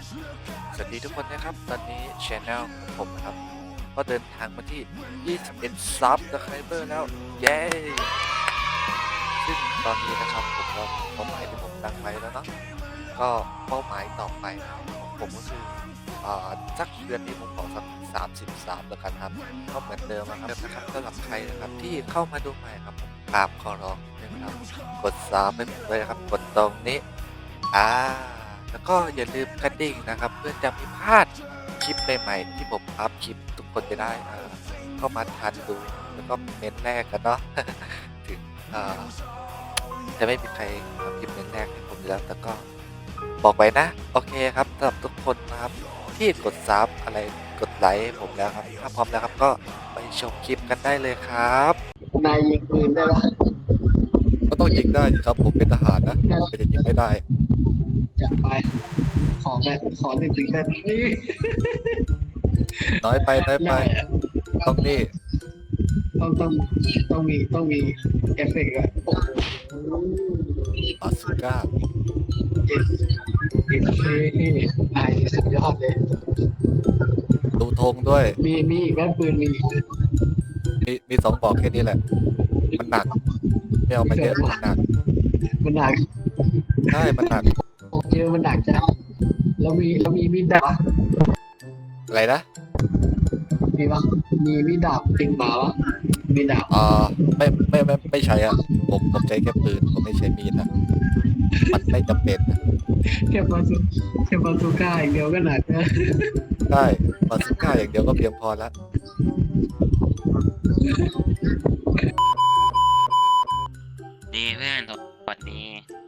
สวัสดีทุกคนนะครับตอนนี้ช anel ของผมนะครับก็เดินทางมาที่ 21 Subscriber แล้วเย้ซึ่งตอนนี้นะครับผมก็เป้าหมายที่ผมตั้งไว้แล้วเนาะก็เป้าหมายต่อไปของผมก็คือสักเดือนนี้ผมขอสัก33แล้วกันครับก็เหมือนเดิมนะครับสำหรับใครนะครับที่เข้ามาดูใหม่ครับผมกราบขอร้องนะครับกดซับให้ผมด้วยนะครับกดตรงนี้แล้วก็อย่าลืมกระดิ่งนะครับเพื่อจะไม่พลาดคลิปใหม่ๆที่ผมอัพคลิปทุกคนจะได้เข้ามาทันดูแล้วก็เมนแรกกันเนาะ ถึงจะไม่มีใครทำคลิปเมนแรกให้ผมอยู่แล้วแต่ก็บอกไว้นะโอเคครับสำหรับทุกคนนะครับที่กดซับอะไรกดไลค์ให้ผมแล้วครับถ้าพร้อมแล้วครับก็ไปชมคลิปกันได้เลยครับนายยิงปืนได้ปะก็ต้องยิงได้ครับผมเป็นทหารนะไม่จะยิงไม่ได้จัดไปขอหนึ่งถึงแค่นี้น้อยไปต้องนี่ต้องมีเอฟเฟกต์อะโอ้โหบาซูก้าเอฟเอไอสุดยอดเลยดูธงด้วยมีอีกแม่ปืนมีอีกมี2บอกแค่นี้แหละมันหนักไม่เอามาเยอะมันหนักมันหนักใช่มันหนักเยอะมันหนักจังแล้วมีมีดดาบอะไรนะมีปะมีมีดดาบติงมาวะมีดาบไม่ใช่อ่ะผมใช้แค่ปืนผมไม่ใช้มีดนะมันไม่จำเป็นนะแค่บาซูก้าอย่างเดียวก็หนักนะใช่บาซูก้าอย่างเดียวก็เพียงพอแล้วดีเพื่อนสวัสดี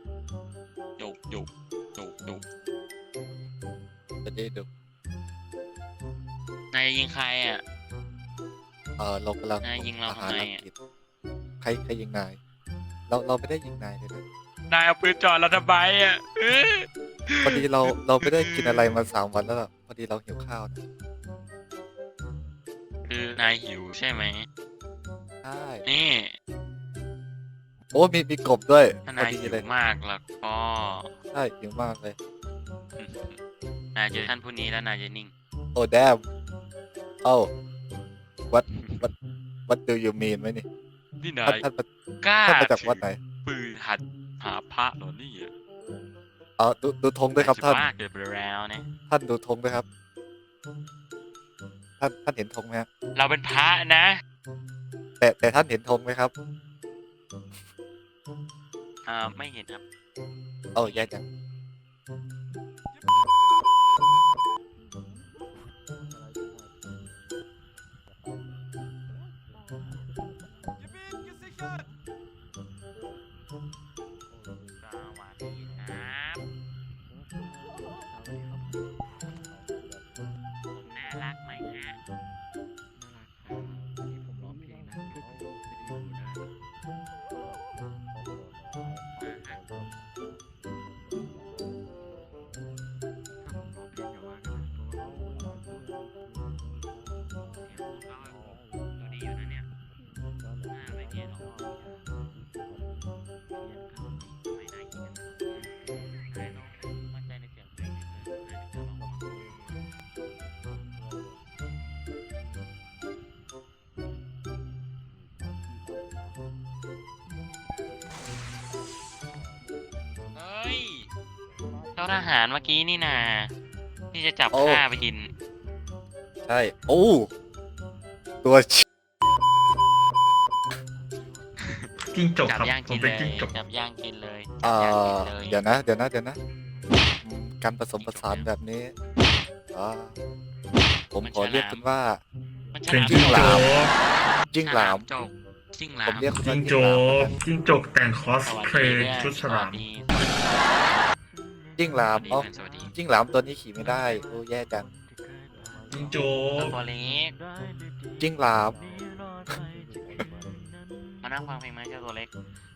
จุกจะได้ดูนายจะยิงใครอ่ะเรากำลังนายยิงเราอาทำหารไมอังอ่ะกฤษใครยิงนายเราไม่ได้ยิงนายเลยนะนายเอาปืนจ่อเราทำไมอ่ะพอดีเราไม่ได้กินอะไรมา3 วันแล้วล่ะพอดีเราหิวข้าวนะคือนายหิวใช่ไหมใช่นี่โอ้มีกบด้วยถ้าพอนายดีหิวเลยมากแล้วก็ใช่หิวมากเลยนายเจอท่านผู้นี้แล้วนายจะนิ่งโอ้แดมเอ้า what what do you mean ไหมนี่นี่นาท่านยท่านกล้าท่านมาจากวัดไหนปืนหัดหาพระเหรอนี่อ่ะดูธงด้วยครับท่านมากเกินไปแล้วนะท่านดูธงด้วยครับ ท่านเห็นธงไหมฮะเราเป็นพระนะแต่ท่านเห็นธงไหมครับไม่เห็นครับเอ้าแย่จังสวัสดีครับผมน่ารักไหมฮะดูดีอยู่นะเนี่ยไม่เพี้ยนหรอกไม่น่ากินนะนายต้องมั่นใจในเสียงเพลงนิดนึงนายถึงจะร้องออกมาเฮ้ยเจ้าทหารเมื่อกี้นี่นาที่จะจับโอ้ข้าไปกินใช่โอ้ตัวจิ้งจกจับครับย่างผกิมนเป็เลนยจิ้งจกจับย่างกินเลยเอ่จับย่างอกินเลยเดี๋ยวนะการผสมผสานแบบนี้ผมขอเรียกคุณว่ามันเป็นฉจิ้งลามจกจิ้งหลามจกจิ้งหลาผม มเรียกคุณจิ้ว่างจจิ้งหลามกจิ้งจกแต่งคอสสวัสเพลดีย์เพื่อนชุดฉลามจิ้งหลามสวัสดีอ๋อสวัสดีจิ้งหลามตัวนี้ขี่ไม่ได้โอ้แย่จังจิ้งจตัวเล็กจิ้งหลามมานั่งฟังเพลงไหมเจ้าตัวเล็ก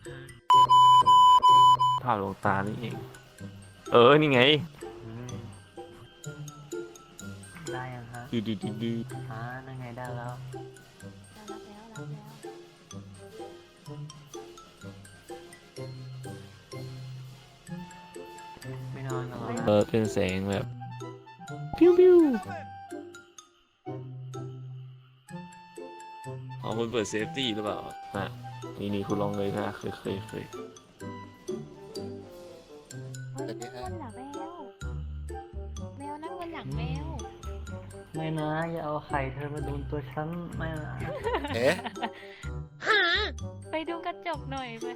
ภาพลวงตานี่เอง นี่ไงได้ยังฮะดีนั่นไงได้แล้ว ไม่นอนกันหรอเป็นแสงแบบปิ้วปิ้วอ๋อคุณเปิดเซฟตี้หรือเปล่าฮะนี่คุณลองเลยนะเคยสวัสดีครับนั่นแหละแมวนั่งบนหลังแมวไม่นะอย่าเอาไข่เธอมาโดนตัวฉันไม่นะเอ๊ะไปดูกระจกหน่อยไป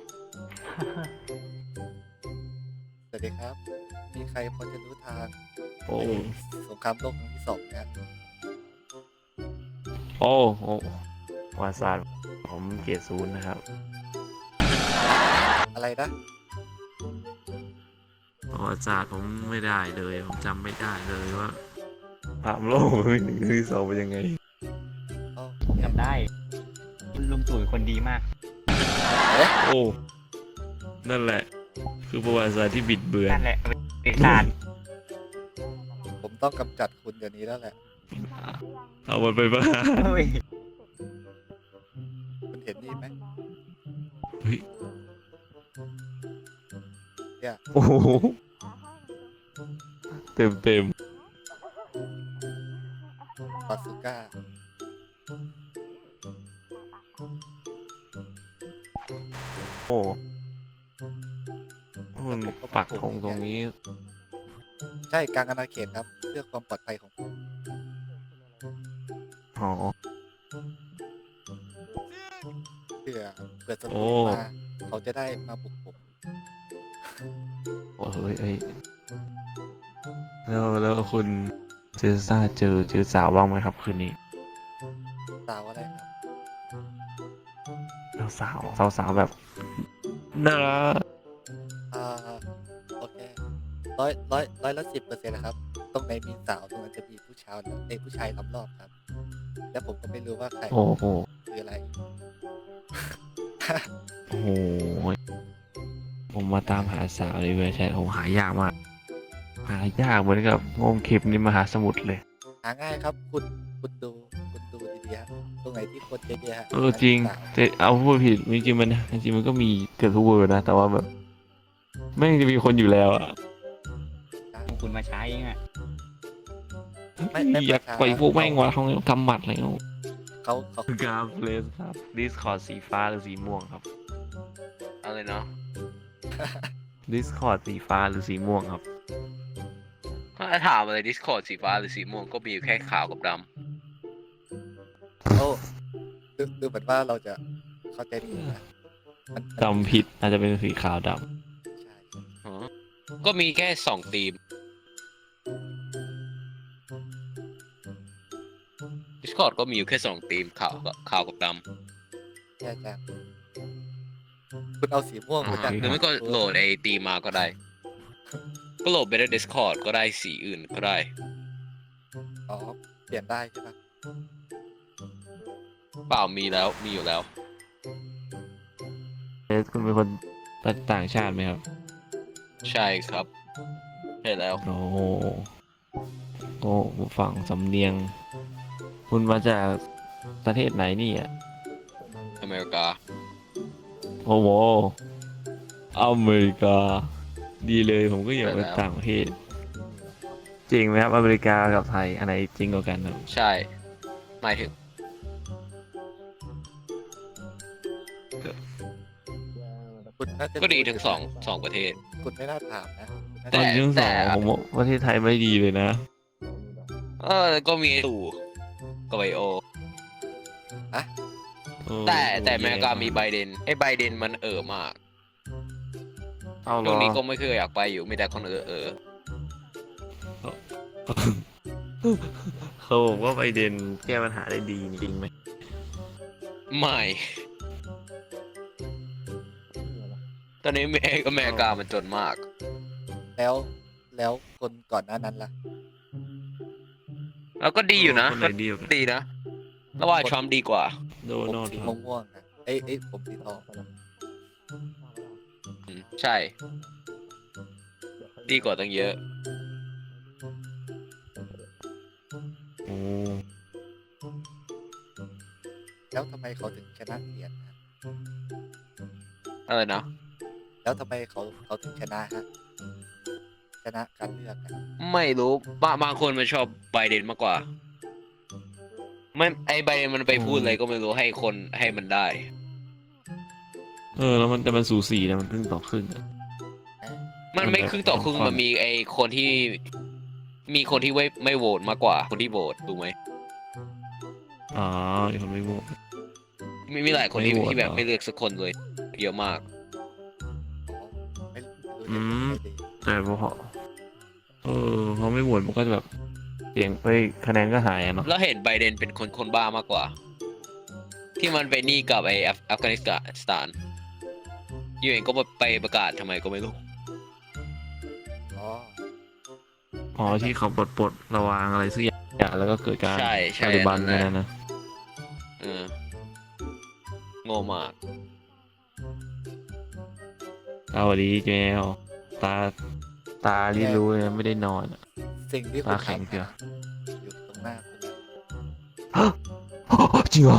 สวัสดีครับ มีใครพอจะรู้ทางโอ้สงครามโลกครั้งที่สองไหมครับโอ้วาซาดผมเกรดศูนย์นะครับอะไรนะวาซาดผมไม่ได้เลย ผมจำไม่ได้เลยว่าภาพโลกหนึ่งที่สองเป็นยังไงเอ้าจำได้ลุงตู่เป็นคนดีมากโอ้ นั่นแหละ คือประวัติศาสตร์ที่บิดเบือนนั่นแหละเอกสารผมต้องกำจัดคุณเดี๋ยวนี้แล้วแหละเอามันไปบ้าเฮ้ยคุณเห็นนี่ไหมเฮ้ยเนี่ยโอ้โหเต็มบาซูก้าโอ้มันปักธงตรงนี้ใช่กลางอาณาเขตครับ เพื่อความปลอดภัยของผมอ๋อเพื่อศัตโอ้รูมาเขาจะได้มาบุกผมโอ้เฮ้ยแล้วคุณเจอซ่าเจอสาวบ้างไหมครับคืนนี้สาวอะไรครับแล้วสาวแบบน่ารักอ่าโอเคร้อยละ10%นะครับ ตรงไหนมีสาวตรงนั้นจะมีผู้ชายผู้ชายล้อมรอบครับ แล้วผมก็ไม่รู้ว่าใครโอ้โหคืออะไรโอ้โหผมมาตามหาสาวในเว็บไซต์ผมหายากมากหายากเหมือนกับงมเข็มในมหาสมุทรเลยหาง่ายครับ คุณดูดีๆฮะตรงไหนที่คนเยอะๆฮะจริงสาวแต่เอาพูดผิดจริงๆมันก็มีเกือบทุกเวอร์นะ แต่ว่าแบบไม่งจะมีคนอยู่แล้วอะคุณมาใช้เองอ่ะไม่อยากประชาปล่อยพวกแม่งวะเขากำหมัดอะไรเงี้ยเขากราฟเลสครับดิสคอร์ดสีฟ้าหรือสีม่วงครับอะไรเนาะดิสคอร์ดสีฟ้าหรือสีม่วงครับถ้าถามอะไร Discord สีฟ้าหรือสีม่วงก็มีอยู่แค่ขาวกับดโอ้ดูเหมือนว่าเราจะเข้าใจผิดนะมันจำผิดอาจจะเป็นสีขาวดใช่ำอ๋อก็มีแค่2 ธีม Discord ก็มีอยู่แค่2 ธีมขาวกับดใช่จ้ะคุณเอาสีม่วงมาจากำหรือไม่ก็โหลดไอ้ธีมมาก็ได้ ก็โหลดไปใน Discord ก็ได้สีอื่นก็ได้อ๋อเปลี่ยนได้ใช่ปะเปล่ามีอยู่แล้วำเลสคุณเป็นคนต่างชาติไหมครับใช่ครับใช่แล้วโอ้โหโอ้ฝั่งสำเนียง คุณมาจากประเทศไหนนี่อ่ะอเมริกาโอ้โหอเมริกา ดีเลยผมก็อยากไปไปแล้วต่างประเทศ จริงไหมครับอเมริกากับไทยอันไหนจริงกว่ากันครับใช่หมายถึงคุณน่าจะก็ดีทั้งสองประเทศคุณไม่น่าถามนะคุณน่าตจะอนที่สองผมว่าประเทศไทยไม่ดีเลยนะก็มีไอ้ตู่กับไบโอเออแต่อเมริกามีไบเดนไอ้ไบเดนมันมากเอาเหรตรองนี้ก็ไม่เคยอยากไปอยู่มีแต่คนเขาบอกว่าไบเดนแก้ปัญหาได้ดีจริงไหมไม่ ตอนนี้อเมริกามันจนมากแล้วคนก่อนหน้านั้นล่ะแล้วก็ดีอยู่นะคนไหนดีกว่ากันดีนะแล้วว่าทรัมป์ดีกว่าโดผมนัลด์สีทรัมป์ม่วงๆนะผมสีทองใช่ ดีกว่าตั้งเยอะโอ้แล้วทำไมเขาถึงชนะเสียนฮะอะไรนะแล้วทำไมเขาถึงชนะฮะชนะการเลือกอะไม่รู้บางคนมันชอบไบเดนมากกว่าไม่ไอไบเดนมันไปพูดอะไรก็ไม่รู้ให้คนให้มันได้แล้วมันสูสีนะมันครึ่งต่อครึ่งอะมันไม่ครึ่งต่อครึ่งมันมีไอคนที่มีคนที่ไม่โหวตมากกว่าคนที่โหวตถูกไหมอ๋ออีกคนไม่โหวตมีหลายคนที่ไม่โหวตที่แบบเหรอไม่เลือกสักคนเลยเยอะมากไม่รู้อืมจะดีแต่พอเขาไม่โหวตมันก็จะแบบเสียงไปคะแนนก็หายอะเนาะแล้วเห็นไบเดนเป็นคนบ้ามากกว่า ที่มันไปนี่กับไออัฟกานิสถานยูเองก็ไปประกาศทำไมก็ไม่รู้อ๋ออ๋อที่เขาปลดระวางอะไรสักอย่างแล้วก็เกิดการใช่ตาลิบันนั่นแหนั่ละนนะเออโง่มากสวัสดีเจลตาที่รู้เลยนะไม่ได้นอนอะสิ่งที่คุณตาแข็งเชียวอยู่ตรงหน้าคุณนะจริงเหรอ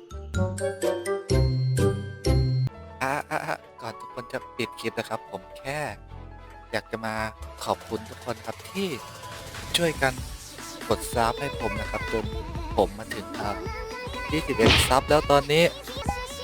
ก่อนทุกคนจะปิดคลิปนะครับ ผมแค่อยากจะมาขอบคุณทุกคนครับที่ช่วยกันกดซับให้ผมนะครับจนผมมาถึง21ซับแล้วตอนนี้ เย้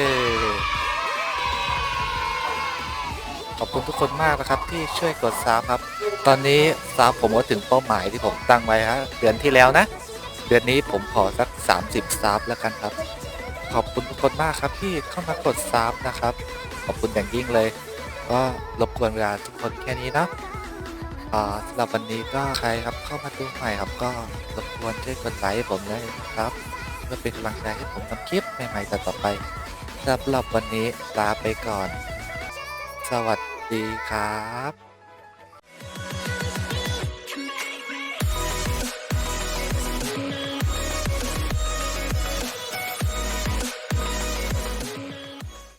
ขอบคุณทุกคนมากนะครับที่ช่วยกดซับครับ ตอนนี้ซับผมก็ถึงเป้าหมายที่ผมตั้งไว้ฮะเดือนที่แล้วนะ เดือนนี้ผมขอสัก30ซับแล้วกันครับ ขอบคุณทุกคนมากครับที่เข้ามากดซับนะครับ ขอบคุณอย่างยิ่งเลย ก็รบกวนเวลาทุกคนแค่นี้นะสำหรับวันนี้ก็ใครครับเข้ามาดูใหม่ครับ ก็รบกวนช่วยกดไลค์ให้ผมด้วยนะครับเพื่อเป็นกำลังใจให้ผมทำคลิปใหม่ๆต่อไปสำหรับวันนี้ลาไปก่อน สวัสดีครับ